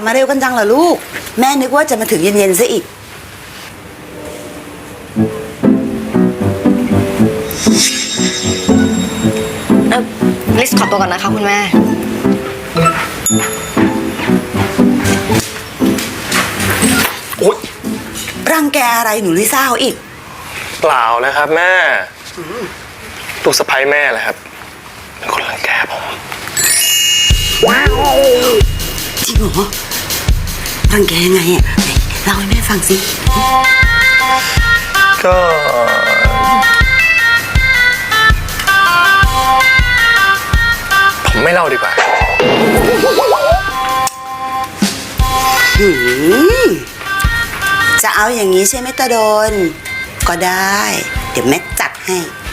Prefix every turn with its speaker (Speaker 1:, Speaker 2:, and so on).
Speaker 1: มาเร็วกันจังเหรอลูกแม่นึกว่าจะมาถึงเย็นๆซะอีก
Speaker 2: ลิสขอตัวก่อนนะคะคุณแม่
Speaker 1: โอ๊ยรังแกอะไรหนูลิซ่าเขาอีก
Speaker 3: เปล่านะครับแม่ลูกสะใภ้แม่แหละครับเป็นคนรังแกผม
Speaker 1: จริงเหรอรังแกยังไงอ่ะไหนเล่าให้แม่ฟังสิ
Speaker 3: ก็ผมไม่เล่าดีกว่า
Speaker 1: จะเอาอย่างนี้ใช่ไหมตาโดนก็ได้เดี๋ยวแม่จัดให้